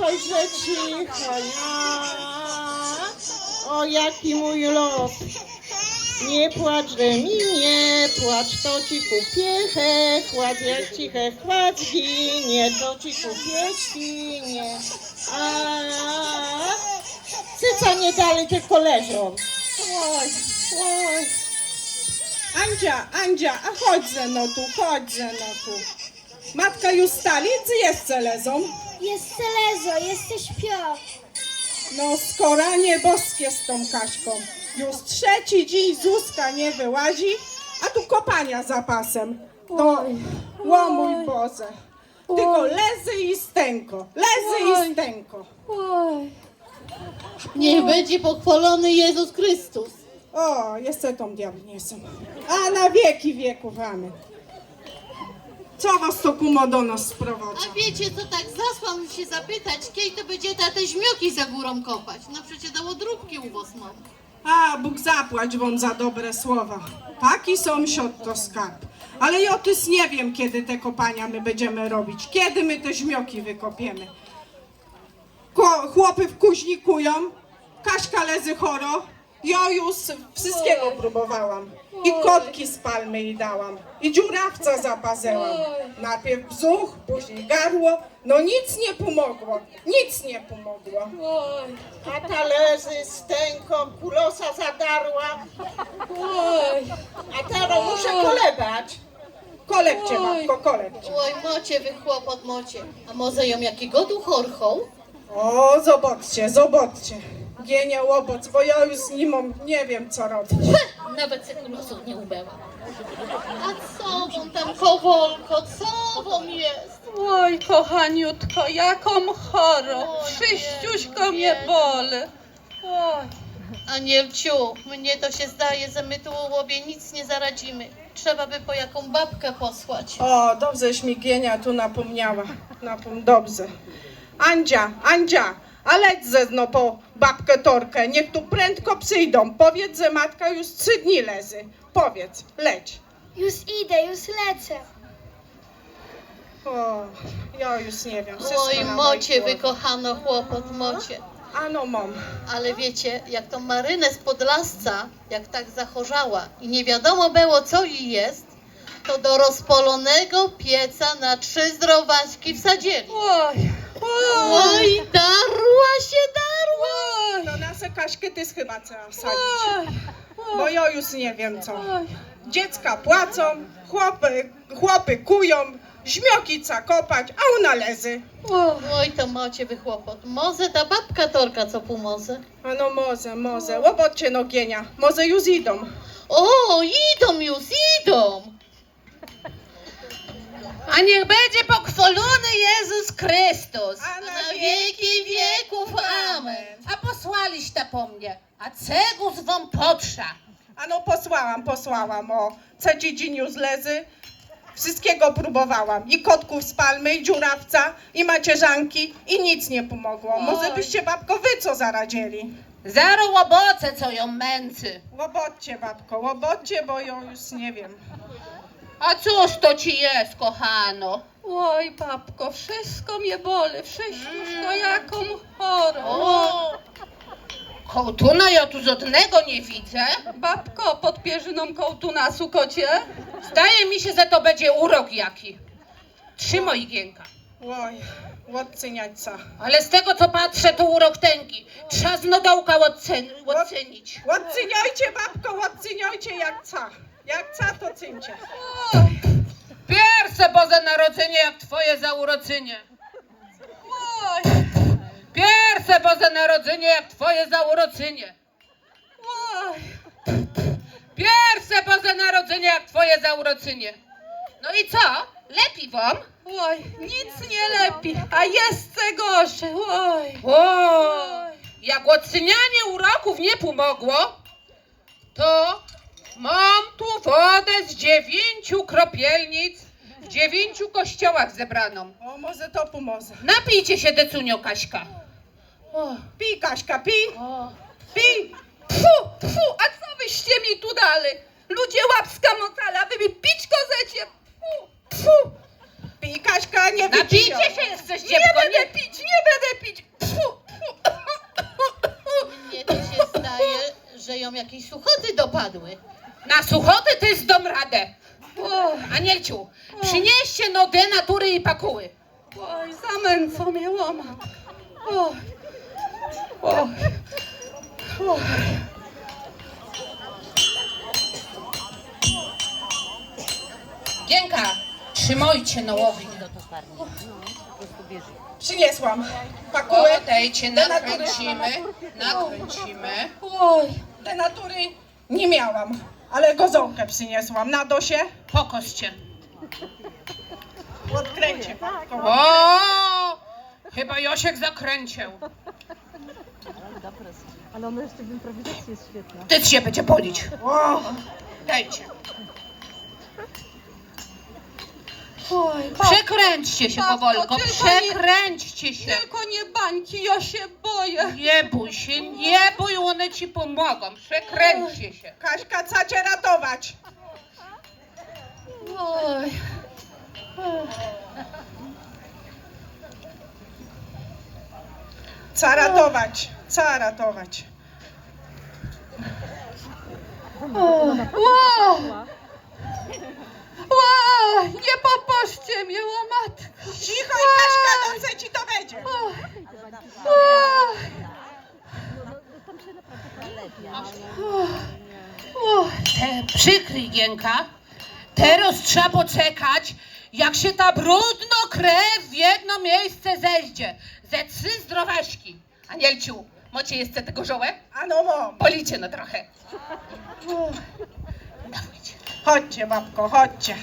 że cicho, ja. O, jaki mój los. Nie płacz, że mi nie płacz, to ci kupię chład, jak ci chład zginie, to ci kupię świnie. A cyca nie dalej, tylko leżą. Oj, oj. Andzia, a chodź ze mną tu. Matka już stali, czy jeszcze lezą? Jest Celezo, jesteś śpią. No skora nieboskie z tą Kaśką. Już trzeci dzień Zuzka nie wyłazi, a tu kopania za pasem. No, o mój Boże. Tylko lezy i stęko, lezy i stęko. Niech będzie pochwalony Jezus Chrystus. O, jeszcze tą diabniesą. A na wieki wieków, amen. Co was to kumo do nas sprowadza? A wiecie co, tak zasłam się zapytać, kiedy to będzie te żmioki za górą kopać? No przecież dało dróbki u was mam. A, Bóg zapłać wam za dobre słowa. Taki sąsiad to skarb. Ale ja też nie wiem, kiedy te kopania my będziemy robić. Kiedy my te żmioki wykopiemy. Chłopy wkuźnikują, Kaśka lezy choro. Ja już wszystkiego próbowałam. I kotki z palmy jej dałam. I dziurawca zapazęłam. Najpierw brzuch, później gardło. No nic nie pomogło. Nic nie pomogło. A ta lezy stęką, kulosa zadarła. A teraz muszę kolebać. Kolebcie, matko, kolebcie. Oj, mocie wy chłopot mocie. A może ją jakiego tu chorchą? O, zobaczcie. Gienia łoboc, bo ja już z nim nie wiem co robić. Nawet sekulosów nie ubełam. A co wam tam kowolko, co wam jest? Oj, kochaniutko, jaką chorą. Oj, Wszyściuśko nie, mnie boli. Oj, A nie wciu, mnie to się zdaje, że my tu u łobie nic nie zaradzimy. Trzeba by po jaką babkę posłać. O, dobrześ mi Gienia tu napomniała. Dobrze. Andzia, a leć ze no po babkę Torkę, niech tu prędko przyjdą. Powiedz, że matka już 3 dni lezy. Powiedz, leć. Już idę, już lecę. O, ja już nie wiem. wszystko Oj, na mocie mojej wy głowie. kochano chłopot, mocie. Ano, mam. Ale wiecie, jak tą Marynę z Podlasca, jak tak zachorzała i nie wiadomo było co jej jest, to do rozpolonego pieca na 3 zdrowaśki wsadzili. oj, oj, Oj, darła się. To nasze Kaśkę ty chyba trzeba wsadzić. oj, Bo ja już nie wiem co. oj. Dziecka płacą, chłopy kują, żmioki trzeba kopać, a ona lezy. Oj, to macie wy chłopot. Może ta babka Torka co pomoże? A no może. Łobocie no Gienia, może już idą. O, idą już, idą. A niech będzie pochwalony Jezus Chrystus. A Na wieki wieków, amen. A posłaliście po mnie, a cegów wam potrza. A no posłałam, o. Trzeci dzień już lezy. Wszystkiego próbowałam. I kotków z palmy, i dziurawca, i macierzanki, i nic nie pomogło. Może byście babko wy co zaradzili? Zaro łoboce, co ją męcy. Łobocie babko, bo ja już nie wiem. A cóż to ci jest, kochano? Oj, babko, wszystko mnie boli, wszystko jaką chorą. O, Kołtuna ja tu żadnego nie widzę. Babko, pod pierzyną kołtuna, sukocie? Zdaje mi się, że to będzie urok jaki. Trzymaj Igienka. Oj, odcyniaćca. Ale z tego co patrzę, to urok tęgi. Trzeba z nodołka ocenić. Odcyniajcie babko, odcyniajcie jak ca. Jak ca to cyńcie. Pierwsze Boże Narodzenie jak twoje zauroczynie. Pierwsze Boże Narodzenie jak twoje zauroczynie. Pierwsze Boże Narodzenie jak twoje zauroczynie. No i co? Lepi wam? Oj, nic nie lepi, a jest gorsze. Oj. Jak odcynianie uroków nie pomogło, to mam tu wodę z 9 kropielnic w 9 kościołach zebraną. O, może to pomoże. Napijcie się, decunio Kaśka. Pij Kaśka, pij. Pij. Fu, a co wyście mi tu dali? Ludzie łapska motala, wy mi pić kozecie. Fu. pij, Kaśka, nie wypij. Napijcie się jeszcze, dziewko. Nie będę pić, nie będę pić. Mnie to się zdaje, że ją jakieś suchoty dopadły. Na suchoty ty zdom radę. Anielciu, przynieście no denatury i pakuły. Oj, zamęco mnie łoma. Oj. Oj. Oj. Gienka, trzymajcie na łowi. Przyniesłam. Pakuły. Odejdźcie, Denatury. nakręcimy. Oj, denatury nie miałam, ale gozołkę przyniesłam. Nado się? Pokoście. Odkręcie. O! Chyba Josiek zakręcił. Ale ona jeszcze w improwizacji jest świetna. Ty się będzie bolić. O, Dajcie. Przekręćcie się powolko, przekręćcie się. Tylko nie bańki, ja się boję. Nie bój się, nie bój, one ci pomogą. Przekręćcie się. Kaśka, co cię ratować? Oj. Co ratować? Co ratować? Nie popatrzcie mnie, łomatko. Cicho i Kaśka, dobrze ci to będzie. Przykryj, Gienka. Teraz trzeba poczekać, jak się ta brudno krew w jedno miejsce zejdzie. Ze 3 zdrowaśki. Anielciu, macie jeszcze tego żołę? Ano mom. Policie no trochę. Dawajcie. Chodźcie, babko, chodźcie.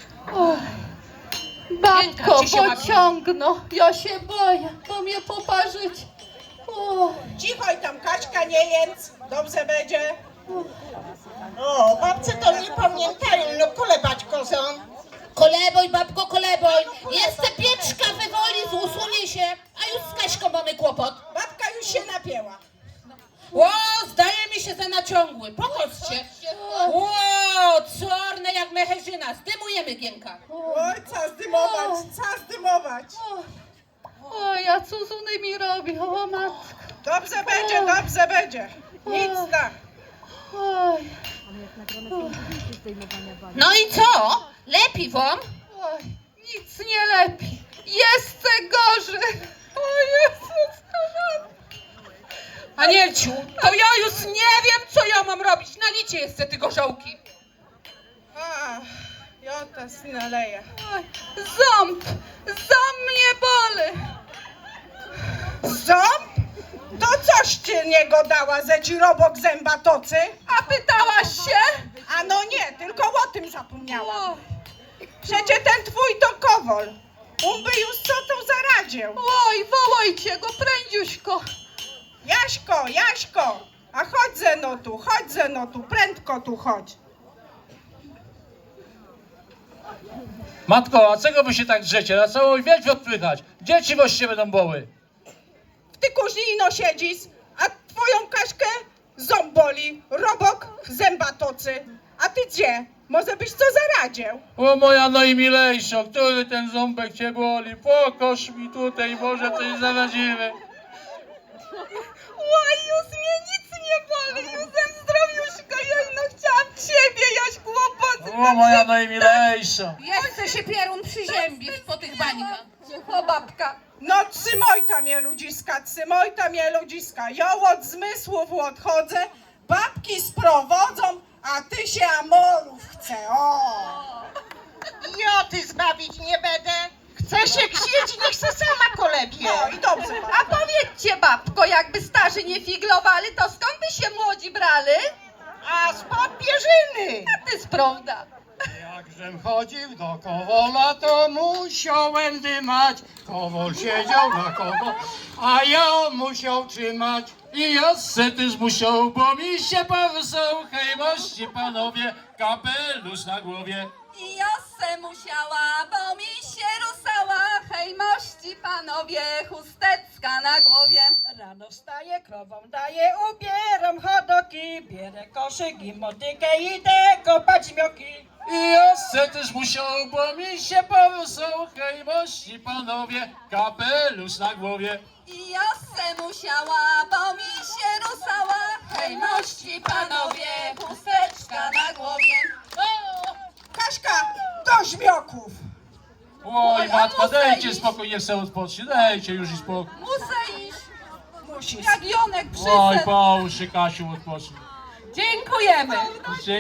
Gienka, Babko, gdzie się ma- pociągno. Ja się boję, bo mnie poparzyć. Cicho i tam Kaśka, nie jedz. Dobrze będzie. O, babce to nie pamiętają, no kulebać kozą. Koleboj, babko, koleboj. Jeszcze pieczka wywoli, usunie się, a już z Kaśką mamy kłopot. Babka już się napięła. O, zdaje mi się za naciągły. Pochodźcie. O, czarne jak mecherzyna. Zdymujemy, Gienka. Oj, co zdymować, co zdymować. Oj, a co z onymi robi, o matko. Dobrze będzie, dobrze będzie. Nic tak. Oj, One jak nagrane są zdjęcie zdejmowania bani. No i co? Lepiej wam? oj, nic nie lepiej. Jeszcze gorzej. O Jezus, kochany. Anielciu, to ja już nie wiem, co ja mam robić. Nalicie jeszcze tylko żołki. A, ja teraz naleję. Oj, ząb mnie boli. Ząb? To coś ci niego dała, ze ci robok zęba tocy? A pytałaś się? A no nie, tylko o tym zapomniałam. Oj, Przecie ten twój to Kowol. On by już co tu zaradził. oj, wołajcie go, prędziuśko. Jaśko, Jaśko, a chodź ze no tu, prędko tu chodź. Matko, a czego wy się tak drzecie? Na całą wieś odpychać. Dzieci właściwie będą boły. W ty kuźni ino siedzisz, a twoją Kaśkę ząb boli, robok zęba tocy. A ty gdzie? Może byś co zaradził? O moja najmilejsza, który ten ząbek cię boli? Pokoż mi tutaj, może coś zaradzimy. Oj, już mnie nic nie boli, już jestem zdrowiuszko, ja no chciałam ciebie, jaś kłopoty. O moja najmilejsza. Jeszcze się pierun przyziębić po tych bańkach. Cicho, babka. No trzymaj mnie ludziska, ja od zmysłów odchodzę, babki sprowodzą, a ty się amorów chce, o! Ja ty zbawić nie będę. Chce się księć, niech se sama kolebie. No i dobrze, A powiedzcie, babko, jakby starzy nie figlowali, to skąd by się młodzi brali? A spod pierzyny. To jest prawda. Jakżem chodził do Kowola, to musiałem dymać. Kowol siedział na kowo, a ja musiał trzymać. I ja se też musiał, bo mi się powysał. Hej, mości panowie, kapelusz na głowie. I ja se musiała, bo mi się rusała, hej mości panowie, chusteczka na głowie. Rano wstaję, krową daję, ubieram hodoki, bierę koszyk i motykę, idę kopać mioki. I ja se też musiał, bo mi się porusał, hej, mości panowie, kapelusz na głowie. I ja se musiała, bo mi się rusała. Hej, mości panowie, chusteczka na głowie. Kaśka, do żmioków! Oj, a matka, muszę dajcie iść. spokój, niech se odpocznie, dajcie już i spokój. Muszę iść, Musisz. jak Jonek Oj, przyszedł. połóż się, Kasiu, odpocznij. Dziękujemy.